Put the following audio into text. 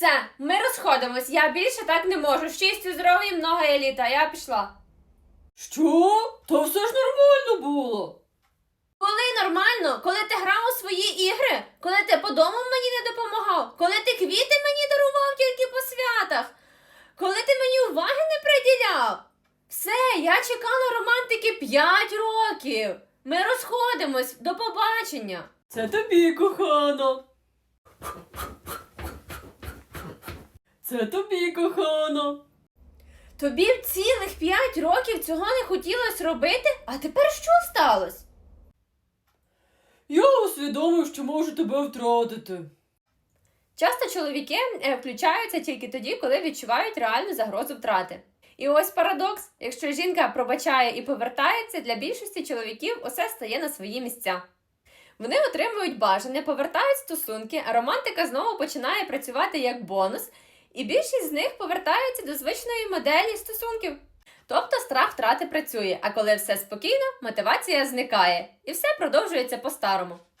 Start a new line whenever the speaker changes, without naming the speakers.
Все, ми розходимось, я більше так не можу. Щастю, здоров'я, много еліта, я пішла.
Що? Та все ж нормально було.
Коли нормально? Коли ти грав у свої ігри? Коли ти по дому мені не допомагав? Коли ти квіти мені дарував тільки по святах? Коли ти мені уваги не приділяв? Все, я чекала романтики 5 років. Ми розходимось, до побачення.
Це тобі, кохана. Це тобі, кохана.
Тобі б цілих 5 років цього не хотілося робити, а тепер що сталося?
Я усвідомив, що можу тебе втратити.
Часто чоловіки включаються тільки тоді, коли відчувають реальну загрозу втрати. І ось парадокс. Якщо жінка пробачає і повертається, для більшості чоловіків усе стає на свої місця. Вони отримують бажане, повертають стосунки, а романтика знову починає працювати як бонус, і більшість з них повертаються до звичної моделі стосунків. Тобто страх втрати працює, а коли все спокійно, мотивація зникає, і все продовжується по-старому.